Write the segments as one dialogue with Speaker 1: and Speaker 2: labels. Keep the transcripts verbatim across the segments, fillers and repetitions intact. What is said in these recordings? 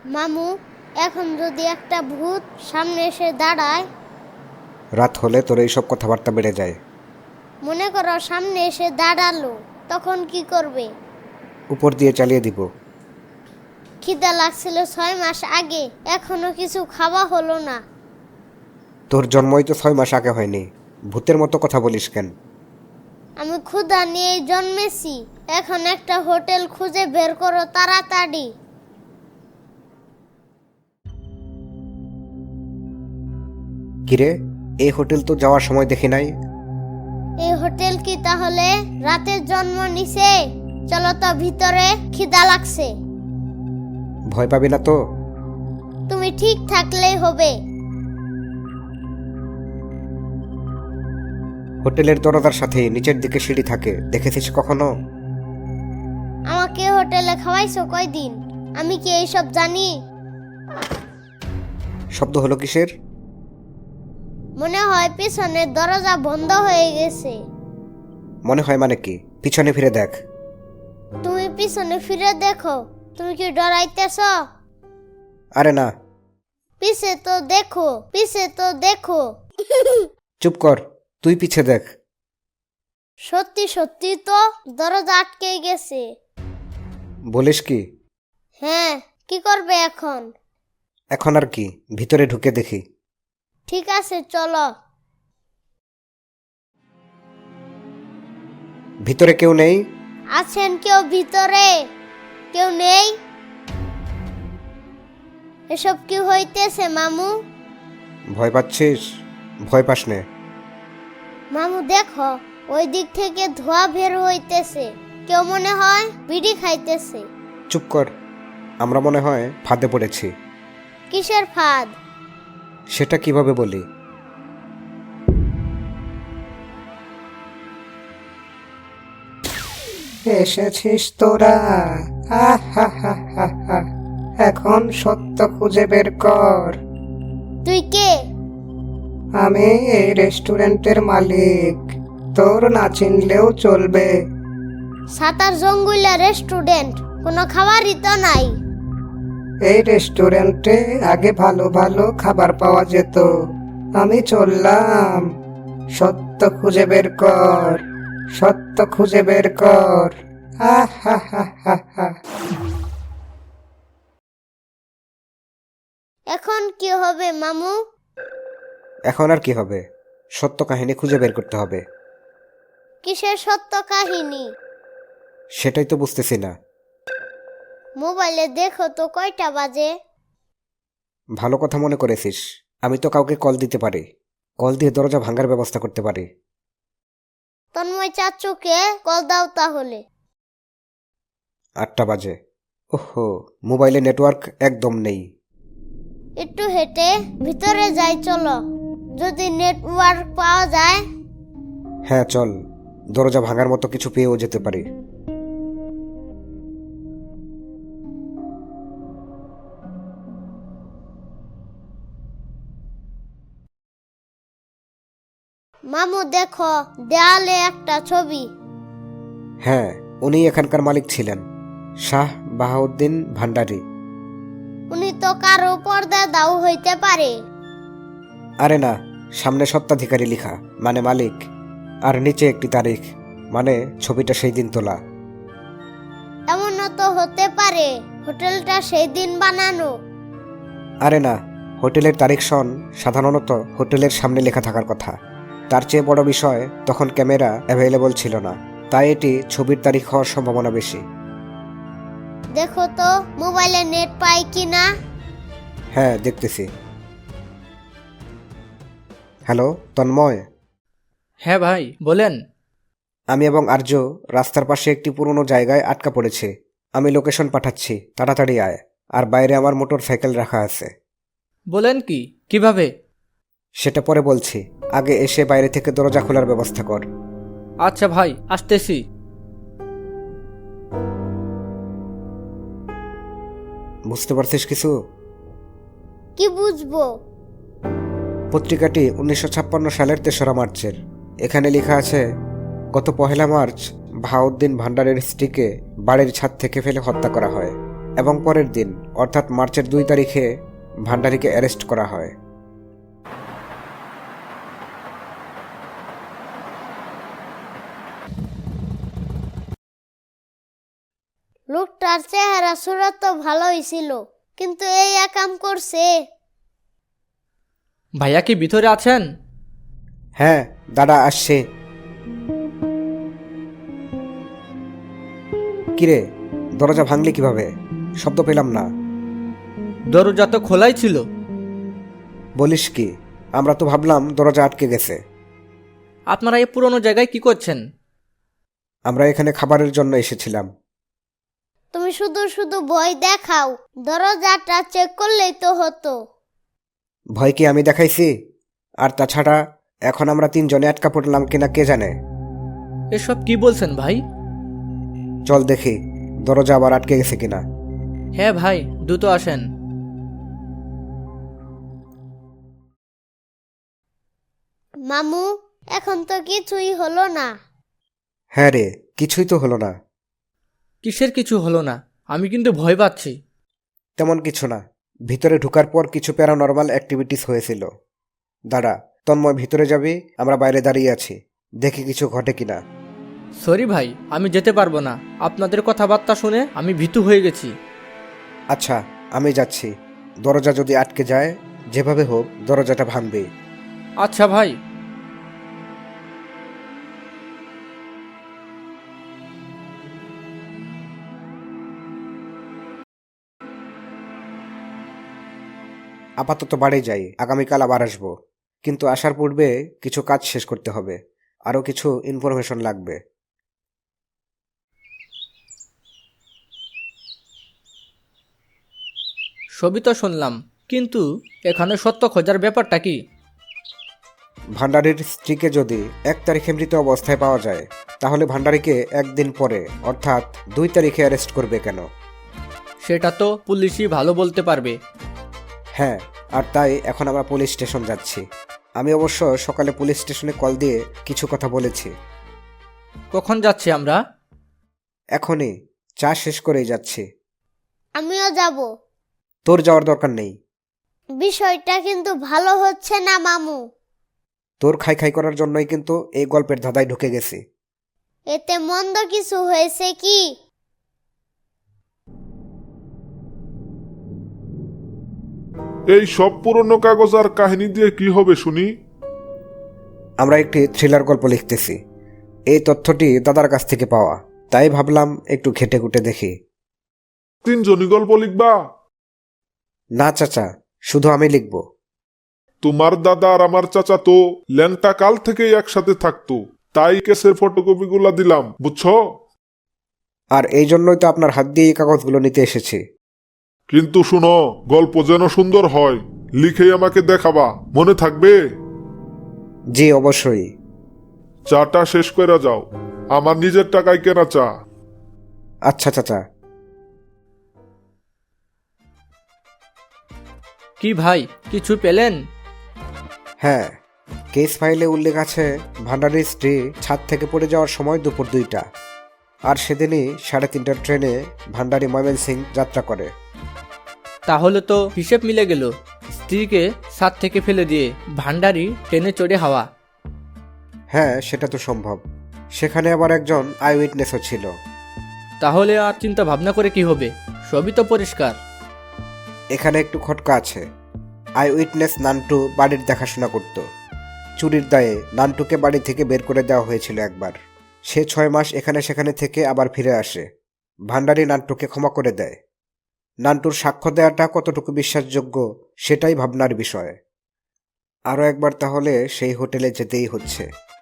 Speaker 1: মামু, এখন যদি একটা ভূত সামনে এসে দাঁড়ায়,
Speaker 2: রাত হলে তোর এইসব কথাবার্তা বেড়ে যায়।
Speaker 1: মনে করো সামনে এসে দাঁড়ালো, তখন কি করবে?
Speaker 2: উপর দিয়ে চালিয়ে দিব।
Speaker 1: খিদা লাগছিল ছয় মাস আগে, এখনো কিছু খাওয়া হলো না।
Speaker 2: তোর জন্মই তো ছয় মাস আগে হয়নি, ভূতের মতো কথা বলিস কেন?
Speaker 1: আমি ক্ষুধা নিয়ে জন্মেছি। এখন একটা হোটেল খুঁজে বের করো তাড়াতাড়ি।
Speaker 2: কিরে, এই হোটেল তো যাওয়ার সময় দেখি নাই।
Speaker 1: এই হোটেল কি তাহলে রাতের জন্ম নিছে? চলো তো ভিতরে, খিদা লাগছে।
Speaker 2: ভয় পাবি না তো?
Speaker 1: তুমি ঠিক থাকলেই হবে।
Speaker 2: হোটেলের দরজার সাথে নিচের দিকে সিঁড়ি থাকে, দেখেছিস কখনো?
Speaker 1: আমাকে হোটেলে খাওয়াইছো কয়দিন? আমি কি এইসব জানি?
Speaker 2: শব্দ হলো কিসের?
Speaker 1: মনে হয় পিছনের দরজা বন্ধ হয়ে গেছে।
Speaker 2: মনে হয় মানে কি? পিছনে ফিরে দেখ।
Speaker 1: তুমি পিছনে ফিরে দেখো। তুমি কি ডরাইতেছ?
Speaker 2: আরে না।
Speaker 1: পিছে তো দেখো, পিছে তো দেখো।
Speaker 2: চুপ কর, তুই পিছে দেখ।
Speaker 1: সত্যি সত্যি তো দরজা আটকে গেছে।
Speaker 2: বলিস কি?
Speaker 1: হ্যাঁ, কি করবে এখন?
Speaker 2: এখন আর কি, ভিতরে ঢুকে দেখি।
Speaker 1: ঠিক আছে, চলো।
Speaker 2: ভিতরে কেউ নেই?
Speaker 1: আছেন কেউ ভিতরে? কেউ নেই? এসব কি হইতেছে মামু?
Speaker 2: ভয় পাচ্ছিস? ভয় পাস নে।
Speaker 1: মামু দেখো, ওই দিক থেকে ধোঁয়া বের হইতেছে। কেউ মনে হয় বিড়ি খাইতেছে।
Speaker 2: চুপ কর, আমরা মনে হয় ফাঁদে পড়েছি।
Speaker 1: কিসের ফাঁদ?
Speaker 2: সেটা কিভাবে বলি? এসেছিস তোরা, এখন সত্য খুঁজে বের কর।
Speaker 1: তুই কে?
Speaker 2: আমি এই রেস্টুরেন্টের মালিক, তোর না চিনলেও চলবে।
Speaker 1: সাতার জঙ্গুলা রেস্টুরেন্ট, কোনো খাবারই তো নাই।
Speaker 2: এই রেস্টুরেন্টে আগে ভালো ভালো খাবার পাওয়া যেত, আমি চললাম। সত্য খুঁজে বের কর, সত্য খুঁজে বের কর।
Speaker 1: এখন কি হবে মামু?
Speaker 2: এখন আর কি হবে? সত্য কাহিনী খুঁজে বের করতে হবে।
Speaker 1: কিসের সত্য কাহিনী?
Speaker 2: সেটাই তো বুঝতেছি না।
Speaker 1: মোবাইলে দেখো তো কয়টা বাজে।
Speaker 2: ভালো কথা মনে করেছিস, আমি তো কাউকে কল দিতে পারি, কল দিয়ে দরজা ভাঙার ব্যবস্থা করতে পারি।
Speaker 1: তন্ময় চাচুকে কল দাও তাহলে।
Speaker 2: আটটা বাজে। ওহো, মোবাইলে নেটওয়ার্ক একদম নেই।
Speaker 1: একটু হেঁটে ভিতরে যাই, চলো। যদি নেটওয়ার্ক পাওয়া যায়।
Speaker 2: হ্যাঁ চল, দরজা ভাঙার মতো কিছু পেয়েও যেতে পারি।
Speaker 1: মামু দেখো, দেয়ালে একটা ছবি।
Speaker 2: হ্যাঁ, উনি এখানকার মালিক ছিলেন, শাহ বাহাউদ্দিন ভান্ডারী।
Speaker 1: উনি তো কারো পর্দা দাও হইতে পারে।
Speaker 2: আরে না, সামনে সত্ত্বাধিকারী লেখা, মানে মালিক, আর নিচে একটি তারিখ, মানে ছবিটা সেই দিন তোলা।
Speaker 1: এমনও তো হতে পারে হোটেলটা সেই দিন বানানো।
Speaker 2: আরে না, হোটেলের তারিখ সন সাধারণত হোটেলের সামনে লেখা থাকার কথা। তার চেয়ে বড় বিষয়, তখন ক্যামেরা অ্যাভেলেবল ছিল না, তাই এটি ছবির তারিখ হওয়ার সম্ভাবনা বেশি।
Speaker 1: দেখো তো মোবাইলে নেট পাই কিনা।
Speaker 2: হ্যাঁ দেখতেছি। হ্যালো তন্ময়।
Speaker 3: হ্যাঁ ভাই, বলেন।
Speaker 2: আমি এবং আর্য রাস্তার পাশে একটি পুরনো জায়গায় আটকা পড়েছি। আমি লোকেশন পাঠাচ্ছি, তাড়াতাড়ি আয়। আর বাইরে আমার মোটর সাইকেল রাখা আছে।
Speaker 3: বলেন কি, কিভাবে?
Speaker 2: সেটা পরে বলছি, আগে এসে বাইরে থেকে দরজা খোলার ব্যবস্থা কর।
Speaker 3: আচ্ছা ভাই, আসতেছি।
Speaker 2: বুঝতে পারছিস কিছু?
Speaker 1: কি বুঝবো?
Speaker 2: পত্রিকাটি উনিশশো ছাপ্পান্ন সালের তেসরা মার্চের। এখানে লেখা আছে, গত পহেলা মার্চ বাহাউদ্দিন ভান্ডারের স্ত্রীকে বাড়ির ছাদ থেকে ফেলে হত্যা করা হয় এবং পরের দিন অর্থাৎ মার্চের দুই তারিখে ভান্ডারীকে অ্যারেস্ট করা হয়।
Speaker 1: লোকটার চেহারা সুরত তো ভালোই ছিল, কিন্তু এই একাম করছে।
Speaker 3: ভাইয়া কি ভিতরে আছেন?
Speaker 2: হ্যাঁ, দাদা আসছে। কিরে, দরজা ভাঙলি কিভাবে? শব্দ পেলাম না।
Speaker 3: দরজা তো খোলাই ছিল।
Speaker 2: বলিস কি? আমরা তো ভাবলাম দরজা আটকে গেছে।
Speaker 3: আপনারা এই পুরনো জায়গায় কি করছেন?
Speaker 2: আমরা এখানে খাবারের জন্য এসেছিলাম।
Speaker 1: তুমি শুধু শুধু ভয় দেখাও, দরজাটা চেক করলেই তো হতো।
Speaker 2: ভয় কি আমি দেখাইছি? আর তাছাড়া এখন আমরা তিনজনে আটকা পড়লাম কিনা কে জানে।
Speaker 3: এসব কি বলছেন ভাই?
Speaker 2: চল দেখি দরজা আবার আটকে গেছে কিনা।
Speaker 3: হ্যাঁ ভাই, দ্রুত আসেন।
Speaker 1: মামু, এখন তো কিছুই হলো না।
Speaker 2: হ্যাঁ রে, কিছুই তো হলো না।
Speaker 3: কিসের কিছু হলো না? আমি কিন্তু ভয় পাচ্ছি।
Speaker 2: তেমন কিছু না। ভিতরে ঢোকার পর কিছু প্যারানরমাল অ্যাক্টিভিটিস হয়েছিল। দাঁড়া, তন্ময় ভিতরে যাবি, আমরা বাইরে দাঁড়িয়ে আছি, দেখি কিছু ঘটে কিনা।
Speaker 3: সরি ভাই, আমি যেতে পারবো না। আপনাদের কথাবার্তা শুনে আমি ভীতু হয়ে গেছি।
Speaker 2: আচ্ছা, আমি যাচ্ছি। দরজা যদি আটকে যায়, যেভাবে হোক দরজাটা ভাঙবে।
Speaker 3: আচ্ছা ভাই।
Speaker 2: আপাতত বাড়ি যাই, আগামীকাল আবার আসবো। কিন্তু আসার পূর্বে কিছু কাজ শেষ করতে হবে, আরও কিছু ইনফরমেশন লাগবে।
Speaker 3: সবই তো শুনলাম, কিন্তু এখানে সত্য খোঁজার ব্যাপারটা কি?
Speaker 2: ভান্ডারীর স্ত্রীকে যদি এক তারিখে মৃত অবস্থায় পাওয়া যায়, তাহলে ভান্ডারীকে একদিন পরে অর্থাৎ দুই তারিখে অ্যারেস্ট করবে কেন?
Speaker 3: সেটা তো পুলিশই ভালো বলতে পারবে।
Speaker 2: হ্যাঁ, আর তাই এখন আমরা পুলিশ স্টেশন যাচ্ছি। আমি অবশ্য সকালে পুলিশ স্টেশনে কল দিয়ে কিছু কথা বলেছি।
Speaker 3: কখন যাচ্ছি আমরা?
Speaker 2: এখনই, চা শেষ করেই যাচ্ছি।
Speaker 1: আমিও যাব।
Speaker 2: তোর যাওয়ার দরকার নেই।
Speaker 1: বিষয়টা কিন্তু ভালো হচ্ছে না মামু।
Speaker 2: তোর খাই খাই করার জন্যই কিন্তু এই গল্পের ধাঁধায় ঢুকে গেছি।
Speaker 1: এতে মন্দ কিছু হয়েছে কি?
Speaker 4: এই সব পুরনো কাগজ আর কাহিনী দিয়ে কি হবে শুনি?
Speaker 2: আমরা একটি থ্রিলার গল্প লিখতেছি। এই তথ্যটি দাদার কাছ থেকে পাওয়া, তাই ভাবলাম একটু ঘেটে ঘুটে দেখি।
Speaker 4: তিনজনই গল্প লিখবা?
Speaker 2: না চাচা, শুধু আমি লিখব।
Speaker 4: তোমার দাদা আর আমার চাচা তো ল্যাংটা কাল থেকেই একসাথে থাকতো, তাই কেসের ফটোকপি গুলা দিলাম, বুঝছো?
Speaker 2: আর এই জন্যই তো আপনার হাত দিয়ে এই কাগজগুলো নিতে এসেছি।
Speaker 4: কিন্তু শুনো, গল্প যেন সুন্দর হয়, লিখেই আমাকে দেখাবা, মনে থাকবে?
Speaker 2: জি অবশ্যই।
Speaker 4: চাটা শেষ করে যাও, আমার নিজের টাকায় কেনা চা।
Speaker 2: আচ্ছা চাচা।
Speaker 3: কি ভাই, কিছু পেলেন?
Speaker 2: হ্যাঁ, কেস ফাইলে উল্লেখ আছে ভান্ডারীর স্ত্রী ছাদ থেকে পড়ে যাওয়ার সময় দুপুর দুইটা, আর সেদিনই সাড়ে তিনটার ট্রেনে ভান্ডারী ময়মনসিং যাত্রা করে।
Speaker 3: তাহলে তো হিসেব মিলে গেল। স্ত্রীকে ছাদ থেকে ফেলে দিয়ে ভান্ডারি ট্রেনে চড়ে হাওয়া।
Speaker 2: হ্যাঁ, সেটা তো সম্ভব। সেখানে আবার একজন আই উইটনেসও ছিল।
Speaker 3: তাহলে আর চিন্তা ভাবনা করে কি হবে? সবই তো পরিষ্কার।
Speaker 2: এখানে একটু খটকা আছে। আই উইটনেস নান্টু বাড়ির দেখাশোনা করত। চুরির দায়ে নান্টুকে বাড়ি থেকে বের করে দেওয়া হয়েছিল একবার। সে ছয় মাস এখানে সেখানে থেকে আবার ফিরে আসে। ভান্ডারী নান্টুকে ক্ষমা করে দেয়। নান্টুর সাক্ষ্য দেওয়াটা কতটুকু বিশ্বাসযোগ্য সেটাই ভাবনার বিষয়। আরও একবার তাহলে সেই হোটেলে যেতেই হচ্ছে।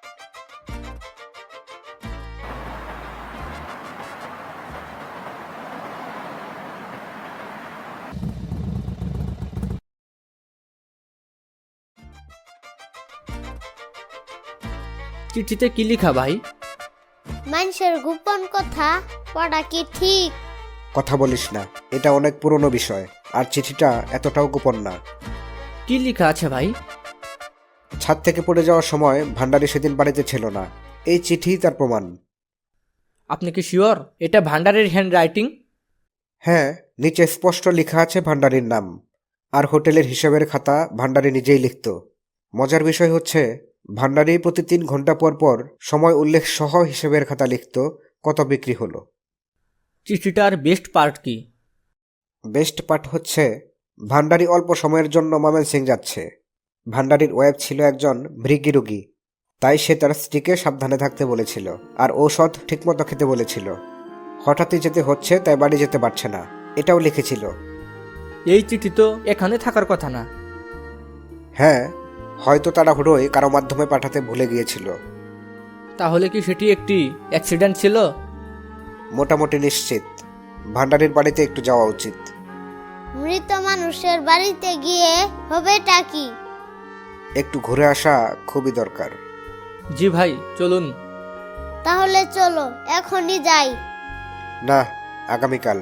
Speaker 3: চিঠিতে কি লিখা ভাই?
Speaker 1: মানুষের গোপন কথা পড়া কি ঠিক?
Speaker 2: কথা বলিস না, এটা অনেক পুরনো বিষয়, আর চিঠিটা এতটাও গোপন না।
Speaker 3: কি লিখা আছে ভাই?
Speaker 2: ছাদ থেকে পড়ে যাওয়ার সময় ভান্ডারী সেদিন বাড়িতে ছিল না। এই চিঠি তার প্রমাণ।
Speaker 3: আপনি কি শিওর এটা ভান্ডারের হ্যান্ড রাইটিং?
Speaker 2: হ্যাঁ, নিচে স্পষ্ট লেখা আছে ভান্ডারীর নাম, আর হোটেলের হিসাবের খাতা ভান্ডারী নিজেই লিখত। মজার বিষয় হচ্ছে ভান্ডারী প্রতি তিন ঘন্টা পর পর সময় উল্লেখ সহ হিসাবের খাতা লিখত কত বিক্রি হলো।
Speaker 3: চিঠিটার বেস্ট পার্ট কি?
Speaker 2: বেস্ট পার্ট হচ্ছে ভান্ডারী অল্প সময়ের জন্য ময়মনসিং যাচ্ছে। ভান্ডারীর ওয়াইফ ছিল একজন মৃগী রোগী, তাই সে তার স্ত্রীকে সাবধানে থাকতে বলেছিল আর ঔষধ ঠিকমতো খেতে বলেছিল। হঠাৎই যেতে হচ্ছে, তাই বাড়ি যেতে পারছে না, এটাও লিখেছিল।
Speaker 3: এই চিঠি তো এখানে থাকার কথা না।
Speaker 2: হ্যাঁ, হয়তো তাড়াহুড়োয় কারো মাধ্যমে পাঠাতে ভুলে গিয়েছিল।
Speaker 3: তাহলে কি সেটি একটি অ্যাক্সিডেন্ট ছিল?
Speaker 2: মোটামুটি নিশ্চিত ভান্ডারীর বাড়িতে একটু যাওয়া উচিত।
Speaker 1: মৃত মানুষের বাড়িতে গিয়ে হবেটা কি?
Speaker 2: একটু ঘুরে আসা খুবই দরকার।
Speaker 3: জি ভাই, চলুন।
Speaker 1: তাহলে চলো এখনই যাই।
Speaker 2: না, আগামীকাল।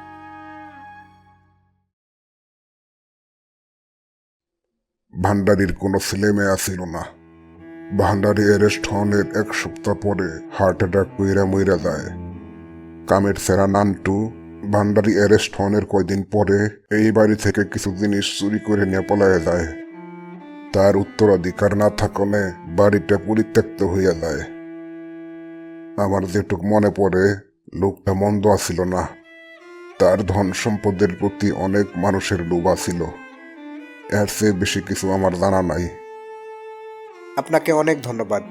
Speaker 5: ভান্ডারীর কোনো ছেলে মেয়ে ছিল না। ভান্ডারী অ্যারেস্ট হনের এক সপ্তাহ পরে হার্ট অ্যাটাক কইরা মইরা যায়। কামের সেরা নান্টু ভান্ডারী অ্যারেস্ট হনের কয়দিন পরে এই বাড়ি থেকে কিছু জিনিস চুরি করে নিয়ে পলায় যায়। তার উত্তরাধিকার না থাকলে বাড়িটা পরিত্যক্ত হইয়া যায়। আমার যেটুক মনে পড়ে, লোকটা মন্দ আসিল না। তার ধন সম্পদের প্রতি অনেক মানুষের লোভ আছিল। এর চেয়ে বেশি কিছু আমার জানা নাই।
Speaker 2: আপনাকে অনেক ধন্যবাদ।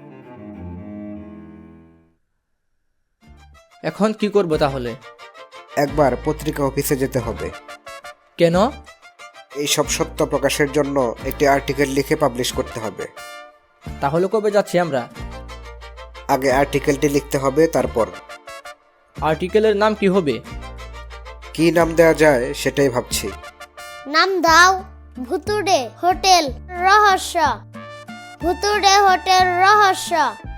Speaker 3: এখন কি করব তাহলে?
Speaker 2: একবার পত্রিকা অফিসে যেতে হবে।
Speaker 3: কেন?
Speaker 2: এই সব সত্য প্রকাশের জন্য একটি আর্টিকেল লিখে পাবলিশ করতে হবে।
Speaker 3: তাহলে কবে যাচ্ছি আমরা?
Speaker 2: আগে আর্টিকেলটি লিখতে হবে, তারপর।
Speaker 3: আর্টিকেলের নাম কি হবে?
Speaker 2: কি নাম দেওয়া যায় সেটাই ভাবছি।
Speaker 1: নাম দাও ভুতুড়ে হোটেল রহস্য। ভুতুড়ে হোটেল রহস্য।